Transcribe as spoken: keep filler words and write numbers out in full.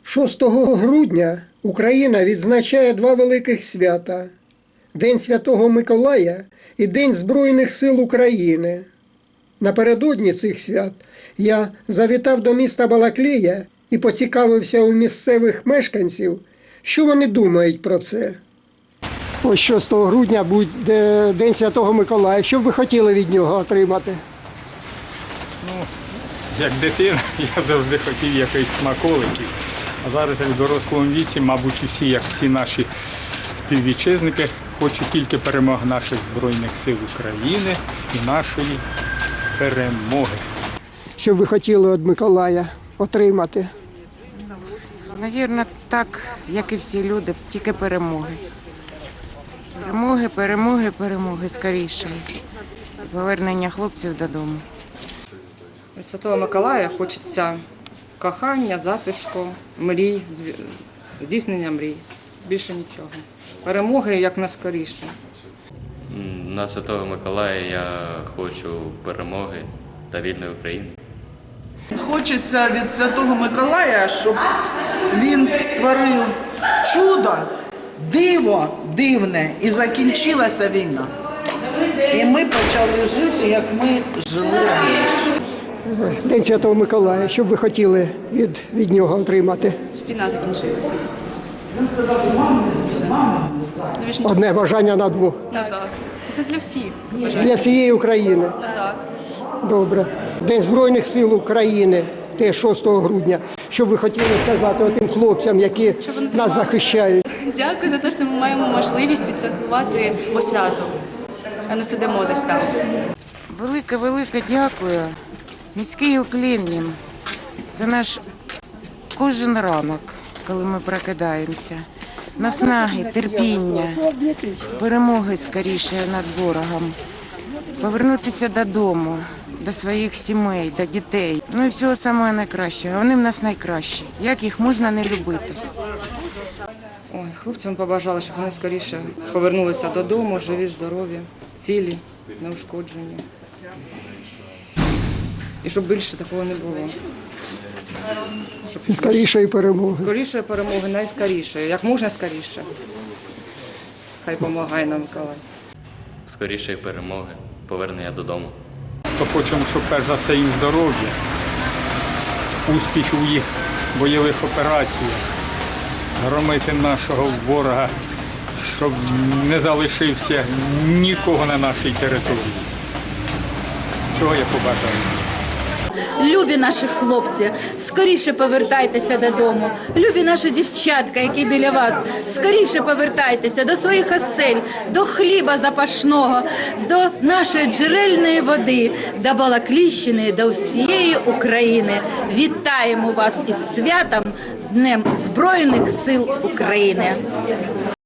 шостого грудня Україна відзначає два великих свята – День Святого Миколая і День Збройних сил України. Напередодні цих свят я завітав до міста Балаклія і поцікавився у місцевих мешканців, що вони думають про це. Ось шостого грудня буде День Святого Миколая. Що б ви хотіли від нього отримати? Ну, як дитина, я завжди хотів якихось смаколиків. А зараз, як в дорослому віці, мабуть, усі, як всі наші співвітчизники, хочуть тільки перемоги наших Збройних сил України і нашої перемоги. Що б ви хотіли від Миколая отримати? Навірно, так, як і всі люди, тільки перемоги. Перемоги, перемоги, перемоги скоріше. Повернення хлопців додому. Від Святого Миколая хочеться кохання, затишку, мрій, здійснення мрій. Більше нічого. Перемоги якнайскоріше. На Святого Миколая я хочу перемоги та вільної України. Хочеться від Святого Миколая, щоб він створив чудо, диво дивне, і закінчилася війна. І ми почали жити, як ми жили раніше. День Святого Миколая. Що б ви хотіли від, від нього отримати? Війна закінчилася. Одне бажання на двох. Ну, так. Це для всіх. Для всієї України. Так. Добре. День Збройних сил України, теж шостого грудня. Що б ви хотіли сказати тим хлопцям, які нас захищають? Дякую за те, що ми маємо можливість святкувати по святу, а не сидимо десь там. Велике-велике дякую. Низький уклін їм за наш кожен ранок, коли ми прокидаємося. Наснаги, терпіння, перемоги скоріше над ворогом. Повернутися додому, до своїх сімей, до дітей. Ну і всього самого найкращого. Вони в нас найкращі. Як їх можна не любити? Ой, хлопцям побажали, щоб вони скоріше повернулися додому, живі, здорові, цілі, неушкоджені. І щоб більше такого не було. Щоб І скорішої перемоги. скоріше перемоги, найскоріше, як можна скоріше. Хай допомагає нам Миколай. Скорішої перемоги, повернення додому. То хочемо, щоб перш за все їм здоров'я, успіхів у їх бойових операціях, громити нашого ворога, щоб не залишився нікого на нашій території. Цього я побажаю. Любі наші хлопці, скоріше повертайтеся додому. Любі наші дівчатка, які біля вас, скоріше повертайтеся до своїх осель, до хліба запашного, до нашої джерельної води, до Балаклійщини, до всієї України. Вітаємо вас із святом, Днем Збройних сил України.